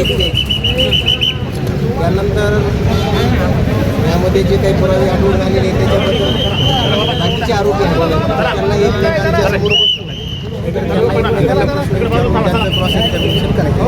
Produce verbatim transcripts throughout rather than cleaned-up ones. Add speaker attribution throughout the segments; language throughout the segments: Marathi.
Speaker 1: कस्टडी घ्यायची. त्यानंतर यामध्ये जे काही पुरावे आढळून आलेले आहेत त्याच्याबद्दल बाकीचे आरोपी आहेत त्यांना एकमेकांच्या समोर बसून एकमेकांना प्रश्न विचारून त्यांचं क्रॉस एक्झामिनेशन करायचं.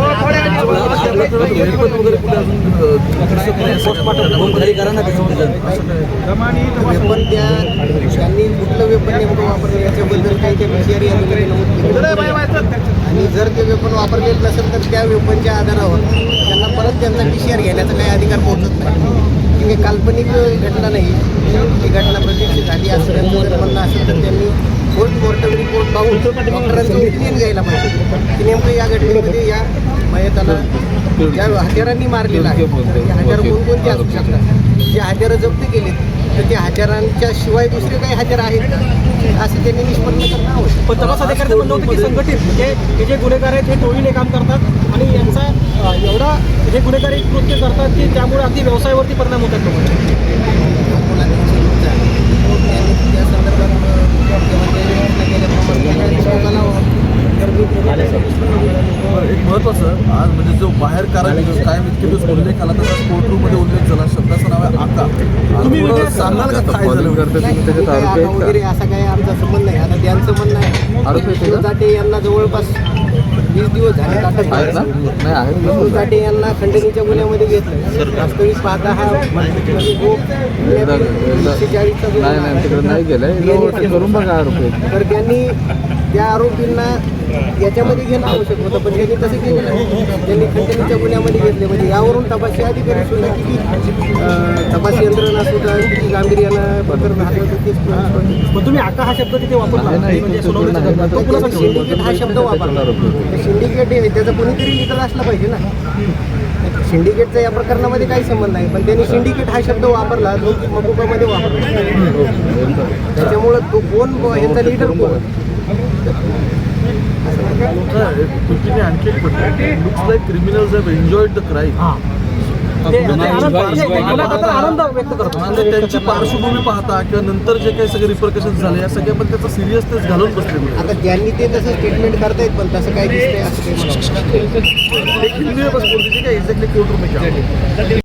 Speaker 1: वेपन त्या त्यांनी कुठलं वेपन नेमकं वापरलं याच्याबद्दल काही त्या विषयारी अधिकारी नमूद केलं आणि जर ते वेपन वापरलेलं नसेल तर त्या वेपनच्या आधारावर त्यांना परत त्यांचा पी सी आर घेण्याचा काही अधिकार पोहोचत नाही. ही काल्पनिक घटना नाही, ही घटना प्रत्यक्ष झाली असं त्यांचं जर म्हणणं असेल तर त्यांनी पोस्टमॉर्टम रिपोर्ट पाहून डॉक्टरांचं ओपिनियन घ्यायला पाहिजे की नेमकं या घटनेमध्ये या मयताला ज्या हत्यारांनी मारलेलं आहे त्या हत्यार कोणकोणते असू शकतात, जे हत्यारं जप्त केलेत तर त्या हत्यारांच्या शिवाय दुसरे काही हत्यार आहेत का असं त्यांनी निष्पन्न करणं आवश्यक.
Speaker 2: पण तपास अधिकाऱ्यांचं म्हणणं होतं की संघटित म्हणजे हे जे गुन्हेगार आहेत हे टोळीने काम करतात आणि यांचा एवढा हे गुन्हेगारी कृत्य करतात की त्यामुळे अगदी व्यवसायावरती परिणाम होतात लोकांचे.
Speaker 1: त्या संदर्भात
Speaker 3: एक महत्त्वाचं आज म्हणजे जो बाहेर कायम इतके दिवस उल्लेख आला तसा कोर्ट रूममध्ये उल्लेख झाला. शब्दाचं नाव आहे आका. तुम्ही सांगाल का काय झालं
Speaker 1: वगैरे असा काही आमचा संबंध नाही. आता त्यांचं म्हणणं आहे आरोपी जाटे यांना जवळपास वीस दिवस झाले अटक आहे. जाटे यांना खंडणीच्या गुन्ह्यामध्ये घेतलं. वास्तविक पाहता हा चाळीसचा तर त्यांनी त्या आरोपींना याच्यामध्ये घेणं आवश्यक होतं पण त्यांनी तसं केलं नाही. त्यांनी खंडणीच्या गुन्ह्यामध्ये घेतले म्हणजे यावरून तपासी अधिकारी सुद्धा किती तपासी यंत्रणा सुद्धा किती गांभीर्यानं प्रकरण हाताळतं तेच.
Speaker 2: पण तुम्ही आका हा शब्द तिथे वापरला म्हणजे
Speaker 1: सिंडिकेट हा शब्द वापरला. सिंडिकेट आहे त्याचा कोणीतरी लिगल असला पाहिजे ना. सिंडिकेटचा या प्रकरणामध्ये काही संबंध नाही पण त्यांनी सिंडिकेट हा शब्द वापरला जो मकुकामध्ये वापरला. त्याच्यामुळं तो कोण ह्याचा लिडर कोण
Speaker 3: आणखी एक looks like criminals have enjoyed the crime.
Speaker 2: आनंद व्यक्त करतो
Speaker 3: आणि त्यांची पार्श्वभूमी पाहता किंवा नंतर जे काही सगळे रिपरकशन झाले या सगळ्या पण त्याचा सिरियसनेस घालून बसले.
Speaker 1: आता ज्यांनी ते तसं स्टेटमेंट करतायत पण तसं काय दिसतंय असं काही
Speaker 3: एक हिंदी में बस बोल दीजिए एक्झॅक्टली कोर्ट रूम में क्या